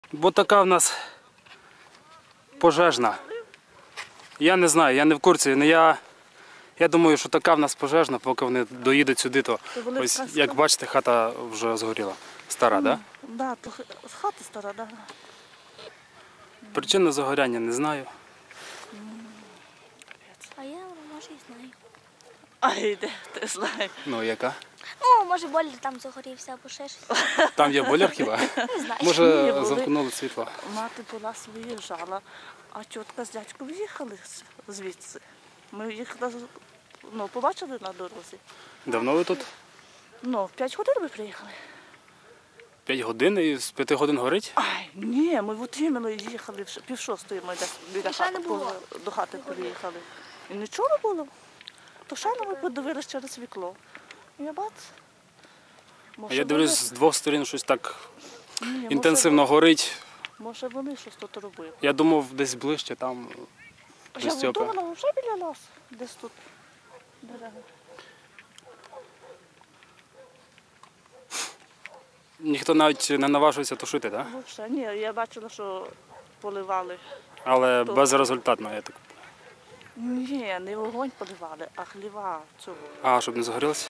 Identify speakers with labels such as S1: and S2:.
S1: Бо така в нас пожежна. Я не знаю, я не в курсі. Я думаю, що така в нас пожежна, поки вони доїдуть сюди, то ось, як бачите, хата вже згоріла. Стара, так?
S2: Так, хата стара, так.
S1: Причину загоряння не знаю.
S3: А я, може, і знаю.
S2: Ай, де ти знаєш.
S1: Ну, яка?
S3: Ну, може, бойлер там загорівся або ще щось.
S1: Там є бойлер хіба?
S3: Не знаю.
S1: Може,
S2: Ні, були.
S1: замкнули світло.
S2: Мати була виїжджала, а тітка з дядьком їхали звідси. Ми їх побачили на дорозі.
S1: Давно ви тут?
S2: В 5 годин ми приїхали.
S1: 5 годин і з 5 годин горить?
S2: Ай, ні, ми от іменно їхали, пів шостої ми десь біля
S3: І ще не
S2: хати,
S3: було?
S2: до хати приїхали. І нічого не було. То ще ми подивилися через вікно. І я бац.
S1: А я дивлюсь, з двох сторін щось так
S2: Ні,
S1: інтенсивно горить.
S2: Може вони щось тут робили.
S1: Я думав, десь ближче там.
S2: Я
S1: Стьопа.
S2: думала, вже біля нас, десь тут дерева.
S1: Ніхто навіть не наважується тушити, так?
S2: Взагалі, ні, я бачила, що поливали.
S1: Але безрезультатно, я так.
S2: Ні, не вогонь поливали, а хліва цього.
S1: А, щоб не загорілося?